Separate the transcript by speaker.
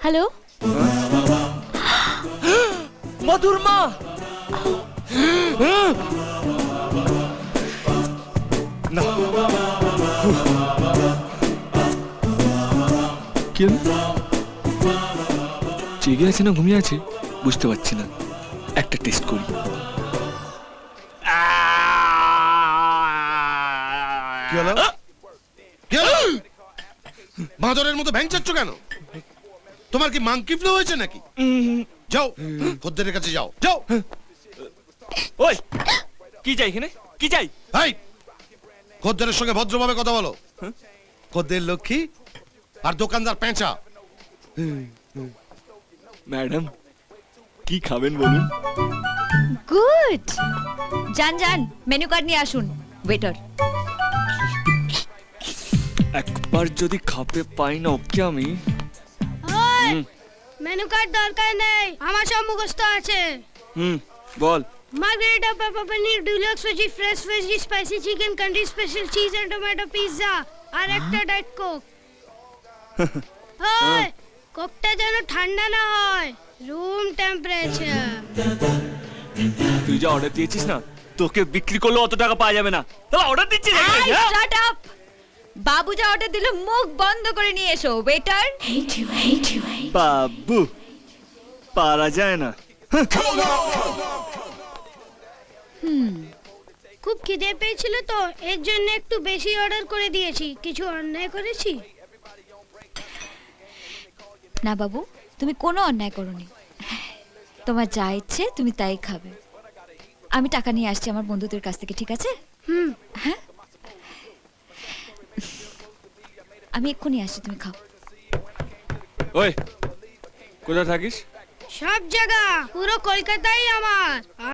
Speaker 1: Hello,
Speaker 2: মধুর মা। না কি জেগে আছে না ঘুমিয়ে আছে বুঝতে পারছি না, একটা টেস্ট করি।
Speaker 3: কি হলো? কি হলো? বাঁদরের মতো ভ্যাংচাচ্ছ কেন? তোমার কি মাংকি ফ্লু হয়েছে নাকি? যাও খদ্দেরের কাছে যাও, যাও।
Speaker 2: ওই কি চাই এখানে, কি চাই?
Speaker 3: এই খদ্দেরের সঙ্গে ভদ্রভাবে কথা বলো। খদ্দের লক্ষ্মী আর দোকানদার পেঁচা।
Speaker 2: ম্যাডাম কি খাবেন বলুন?
Speaker 1: গুড। যান যান, মেনু কার্ড নিয়ে আসুন। ওয়েটার।
Speaker 2: একবার যদি খাপে পাই না ওকে আমি।
Speaker 4: মেনু কার্ড দরকার নেই, আমার সব মুখস্থ আছে।
Speaker 2: বল।
Speaker 4: Margherita pepper paneer deluxe veggie fresh veggie spicy chicken country special cheese and tomato pizza আর একটা ডায়েট কোক। ওই কোকটা যেন ঠান্ডা না হয়, রুম টেম্পারেচার।
Speaker 2: তুই যা অর্ডার দিয়েছিস না, তোকে বিক্রি করলে অত টাকা পাওয়া যাবে না। তাহলে অর্ডার দিচ্ছিস নাকি?
Speaker 1: Shut up. বাবু যা অর্ডার দিল মুখ বন্ধ করে নিয়ে এসো। ওয়েটার।
Speaker 2: বাবু পারা যায় না।
Speaker 4: খুব খিদে পেয়েছিল তো, এর জন্য একটু বেশি অর্ডার করে দিয়েছি। কিছু অন্যায় করেছি?
Speaker 1: না বাবু, তুমি কোনো অন্যায় করোনি। তোমার যা ইচ্ছে তুমি তাই খাবে। আমি টাকা নিয়ে আসছি আমার বন্ধুদের কাছ থেকে, ঠিক আছে? হ্যাঁ, আমি এক্ষুনি আসছি, তুমি খাও।
Speaker 2: ওই কোথায় থাকিস?
Speaker 4: সব জায়গা, পুরো কলকাতাই আমার।